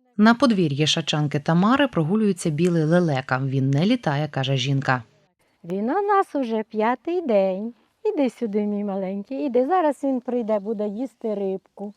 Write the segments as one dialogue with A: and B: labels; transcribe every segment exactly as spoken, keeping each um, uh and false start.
A: На подвір'ї шачанки Тамари прогулюється білий лелека. Він не літає, каже жінка.
B: Він у нас уже п'ятий день. Іди сюди, мій маленький, іди. Зараз він прийде, буде їсти рибку.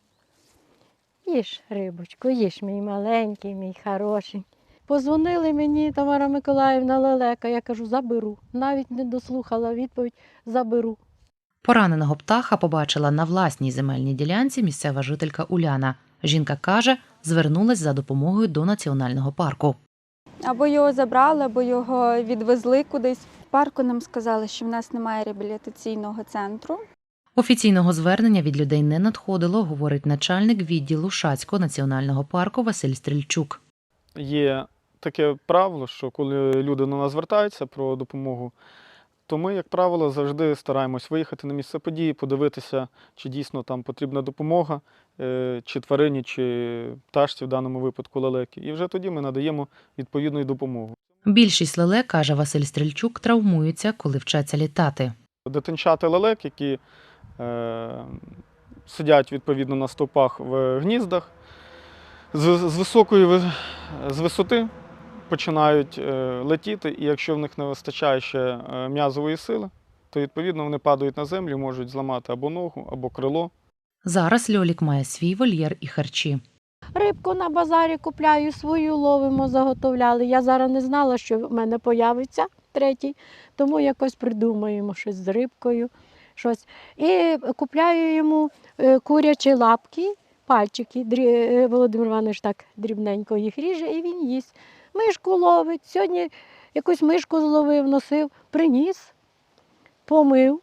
B: Їж, рибочку, їж, мій маленький, мій хороший. Позвонили мені, Тамара Миколаївна, лелека, я кажу, заберу. Навіть не дослухала відповідь, заберу.
A: Пораненого птаха побачила на власній земельній ділянці місцева жителька Уляна. Жінка каже, звернулась за допомогою до національного парку.
C: Або його забрали, або його відвезли кудись. В парку нам сказали, що в нас немає реабілітаційного центру.
A: Офіційного звернення від людей не надходило, говорить начальник відділу Шацького національного парку Василь Стрільчук.
D: Є таке правило, що коли люди до нас звертаються про допомогу, то ми, як правило, завжди стараємось виїхати на місце події, подивитися, чи дійсно там потрібна допомога, чи тварині, чи пташці, в даному випадку лелеки. І вже тоді ми надаємо відповідну допомогу.
A: Більшість лелек, каже Василь Стрільчук, травмуються, коли вчаться літати.
D: Дитинчата лелек, які е, сидять відповідно на стовпах в гніздах, з, з високої з висоти починають е, летіти, і якщо в них не вистачає ще е, м'язової сили, то відповідно вони падають на землю, можуть зламати або ногу, або крило.
A: Зараз Льолік має свій вольєр і харчі.
B: Рибку на базарі купляю, свою ловимо, заготовляли. Я зараз не знала, що в мене появиться третій, тому якось придумаємо щось з рибкою. Щось. І купляю йому курячі лапки, пальчики. Володимир Іванович так дрібненько їх ріже і він їсть. Мишку ловить. Сьогодні якусь мишку зловив, носив, приніс, помив,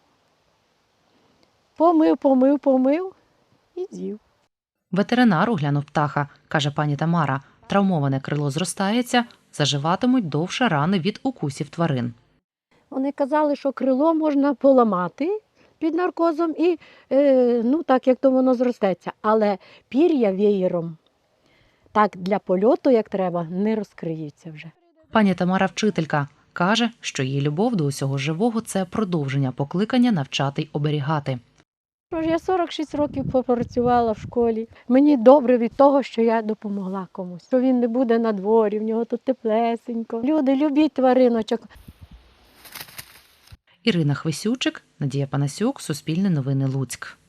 B: помив, помив, помив і з'їв.
A: Ветеринар оглянув птаха, каже пані Тамара. Травмоване крило зростається, заживатимуть довше рани від укусів тварин.
B: Вони казали, що крило можна поламати під наркозом і, е, ну, так, як то воно зростеться. Але пір'я веєром, так для польоту, як треба, не розкриється вже.
A: Пані Тамара вчителька. Каже, що її любов до усього живого – це продовження покликання навчати й оберігати.
B: Я сорок шість років попрацювала в школі. Мені добре від того, що я допомогла комусь. Що він не буде на дворі, в нього тут теплесенько. Люди, любіть твариночок.
A: Ірина Хвисючик, Надія Панасюк, Суспільне новини Луцьк.